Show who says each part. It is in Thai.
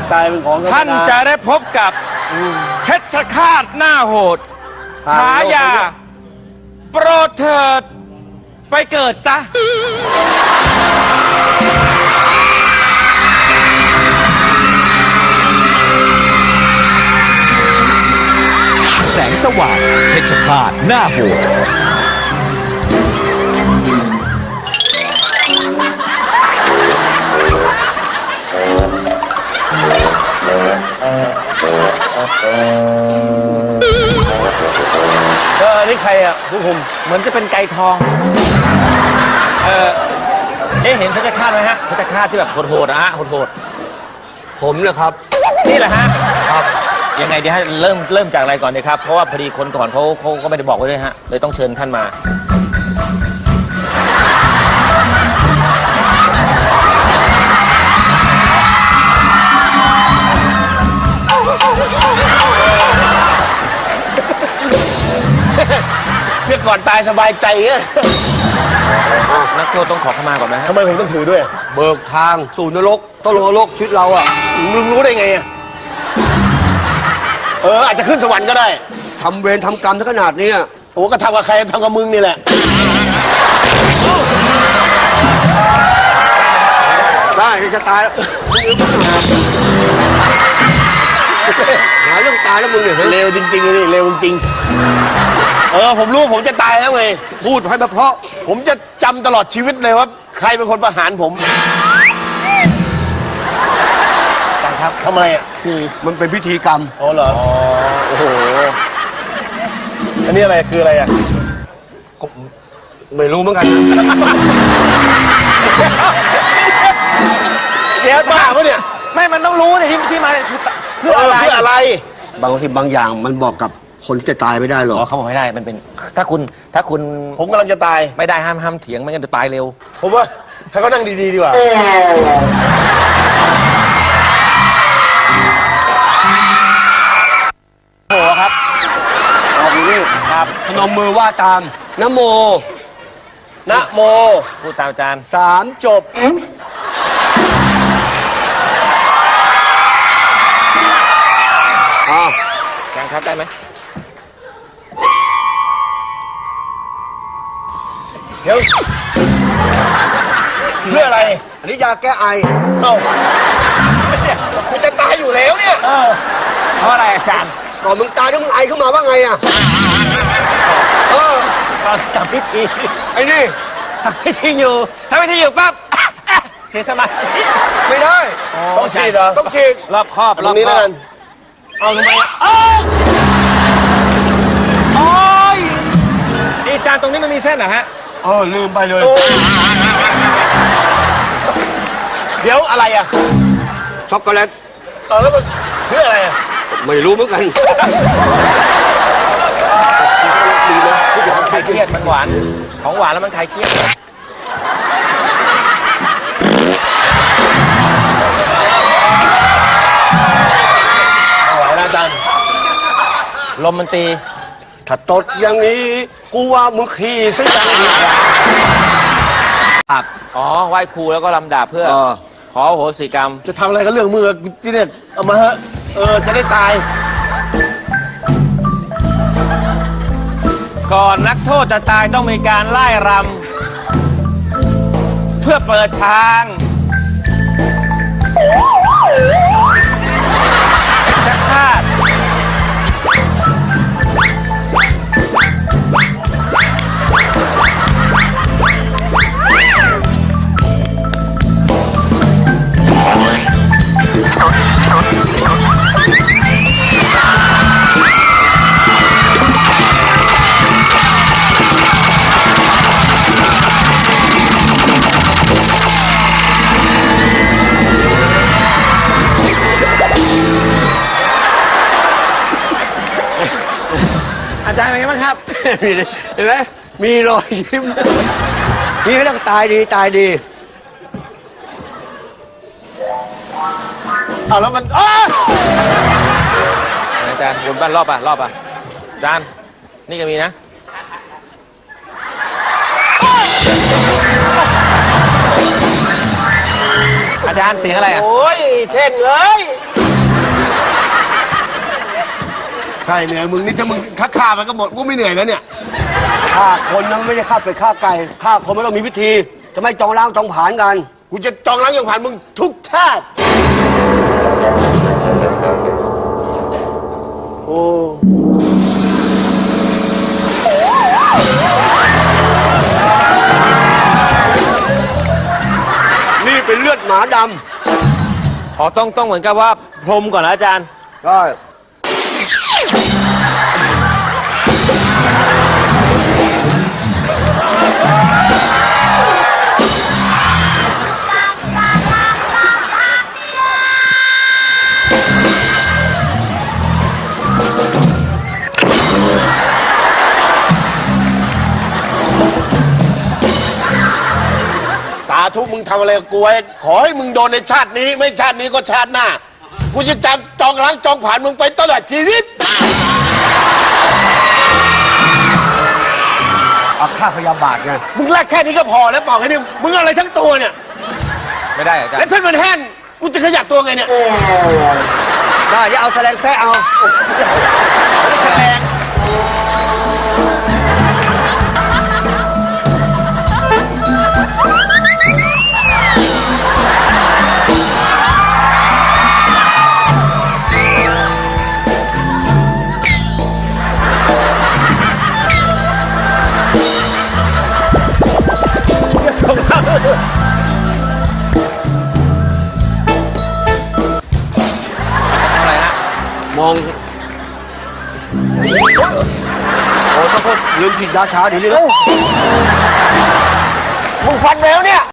Speaker 1: ตายเป็นของธรรมดา
Speaker 2: ท่านจะได้พบกับเพชฌฆาตหน้าโหดฉายาโปรดเถิดไปเกิดซะ
Speaker 3: แสงสว่างเพชฌฆาตหน้าโหด
Speaker 1: อันนี้ใครอ่ะผู้คุม
Speaker 2: เหมือนจะเป็นไก่ทองเห็นเพชฌฆาตไหมฮะเพชฌฆาตที่แบบโหดๆนะฮะโหด
Speaker 4: ผมนะครับ
Speaker 2: ๆนี่แหละฮะ
Speaker 4: ครับ
Speaker 2: ยังไงดีฮะเริ่มจากอะไรก่อนดีครับเพราะว่าพอดีคนก่อนเขาก็ไม่ได้บอกไว้ด้วยฮะเลยต้องเชิญท่านมา
Speaker 1: เพื่อก่อนตายสบายใจเงี้ย
Speaker 2: นักโทษต้องขอเข้ามาก่อนไหมฮะ
Speaker 1: ทำไมผมต้องถือด้วย
Speaker 4: เบิกทางสู่นรกต้องลงนรกชีวิตเราอ่ะ
Speaker 1: มึงรู้ได้ไงอ่ะอาจจะขึ้นสวรรค์ก็ได้
Speaker 4: ทำเวรทำกรรมถึงขนาดนี้
Speaker 1: โอ้ก็ทำกับใครทำกับมึงนี่แหละ
Speaker 4: ได้จะตายแล้วหาเรื่องตายแล้วมึงเนี่ย
Speaker 1: เร็วจริงๆเลยเร็วจริงผมรู้ผมจะตายแล้วไง
Speaker 4: พูดให้มาเพราะ
Speaker 1: ผมจะจำตลอดชีวิตเลยว่าใครเป็นคนประหารผม
Speaker 2: อาจารย์ครับ
Speaker 1: ทำไมอ่ะคือ
Speaker 4: มันเป็นพิธีกรรม
Speaker 1: อ๋อเหรอโอ้โหอันนี้อะไรคืออะไรอ่ะ
Speaker 4: ก็ไม่รู้เหมือนกันนะ
Speaker 2: เดี๋ยว
Speaker 1: บ้าปะเนี่ย
Speaker 2: ไม่มันต้องรู้เนี่ยที่มาเนี่ยคือเพื่ออะไร
Speaker 1: เพื่ออะไร
Speaker 4: บางทีบางอย่างมันบอกกับคนที่จะตายไม่ได้หรอก
Speaker 2: อ๋อเขาบอกไม่ได้มันเป็นถ้าคุณ
Speaker 1: ผมกำลังจะตาย
Speaker 2: ไม่ได้ห้ามเถียงไม่งั้นจะตายเร็ว
Speaker 1: ผมว่าให้เขานั่งดีๆดีกว่า
Speaker 2: โอ้โหครับ
Speaker 1: เอาอยู่นี่
Speaker 2: ครับ
Speaker 4: พนมมือว่าตามนะโม
Speaker 1: นะโม
Speaker 2: พูดตามอาจารย์
Speaker 4: 3 จบอ้าว
Speaker 2: อาจารย์ครับได้ไหม
Speaker 1: เดี๋ยวเพื่ออะไร
Speaker 4: อันนี้ยาแก้ไอ
Speaker 1: เอ้าคุณจะตายอยู่แล้วเนี่ย
Speaker 2: เพราะอะไรอาจารย์
Speaker 4: ก่อนมึงตายแล้วมึงไอขึ้นมาว่าไงอ่ะ
Speaker 2: เราจำพิธี
Speaker 4: ไอ้นี่
Speaker 2: ทำพิธีอยู่ปั๊บ เสียสมาธิ
Speaker 4: ไม่ได้
Speaker 1: ต้องฉีดเหรอ
Speaker 4: ต้องฉีด
Speaker 2: รอบครอบ
Speaker 1: ตรงนี้แล้วกันเอาทำไมอ่ะ
Speaker 4: โอ้ย
Speaker 2: นี่อาจารย์ตรงนี้มันมีเส้นเหรอฮะ
Speaker 4: ลืมไปเลย
Speaker 1: เดี๋ยวอะไรอ่ะ
Speaker 4: ช็อกโกแลต
Speaker 1: แล้วมันเพื่ออะไรอ่ะ
Speaker 4: ไม่รู้เหมือนกันดีนะผู้เดี๋ยว
Speaker 2: คลายเครียดมันหวานของหวานแล้วมันคลายเครียด
Speaker 1: เอาไหวนะอาจารย์
Speaker 2: ลมมันตี
Speaker 4: ถ้าตดอย่างนี้กูว่ามึงขี่ซะอย่างนี้ครับ
Speaker 2: อ๋อไหว้ครูแล้วก็ลำดาบเพื่อ ขออโหสิกรรม
Speaker 1: จะทำอะไรก็เรื่องมือที่เนี่ยเอามาเถอะจะได้ตาย
Speaker 2: ก่อนนักโทษจะตายต้องมีการไล่รำเพื่อเปิดทางจะคาดอาจารย์เป็นไงบ้างครับ
Speaker 4: เห็นไหมมีรอยยิ้มนี่เขาเรียกตายดีตายดี
Speaker 1: เอาแล้วมัน
Speaker 2: อาจารย์วนบ้านรอบอ่ะอาจารย์นี่ก็มีนะออาจารย์เสียงอะไรอ่ะ
Speaker 4: โอ้ยเท่งเอ้ย
Speaker 1: ใช่เหนื่อยมึงนี่ถ้ามึงฆ่ามันก็หมดกูไม่เหนื่อยแล้วเนี่ย
Speaker 4: ฆ่าคนนั้นไม่ใช่ฆ่าเป็ดฆ่าไก่ฆ่าคนไม่ต้องมีพิธี จะไม่จองล้างจองผลาญกัน
Speaker 1: กูจะจองล้างอย่างผ่านมึงทุกชาติ
Speaker 4: โอ้นี่เป็นเลือดหมาด
Speaker 2: อ๋อต้องเหมือนกับว่าพรมก่อนนะอาจารย์
Speaker 4: ำได้
Speaker 1: สาธุมึงทำอะไรกับกูไว้ขอให้มึงโดนในชาตินี้ ไม่ชาตินี้ก็ชาติหน้า กูจะจำจองล้างจองผ่านมึงไปตลอดชีวิต
Speaker 4: อาฆาตพยาบาทไง
Speaker 1: มึงแลกแค่นี้ก็พอแล้วเปล่าแค่นี้มึงอะไรทั้งตัวเนี่ย
Speaker 2: ไม่ได้อาจาร
Speaker 1: แล้ว
Speaker 2: ย์
Speaker 1: ถ้ามันแห้งกูจะขยับตัวไงเนี่ย
Speaker 4: ได้จะเอาแสลงแซะเอา
Speaker 1: แสดง
Speaker 2: อะไรฮะ
Speaker 4: มอง โอ้ยต้องลืมฉีดยาชาดีเลยนะ
Speaker 1: มึงฟันแมวเนี่ย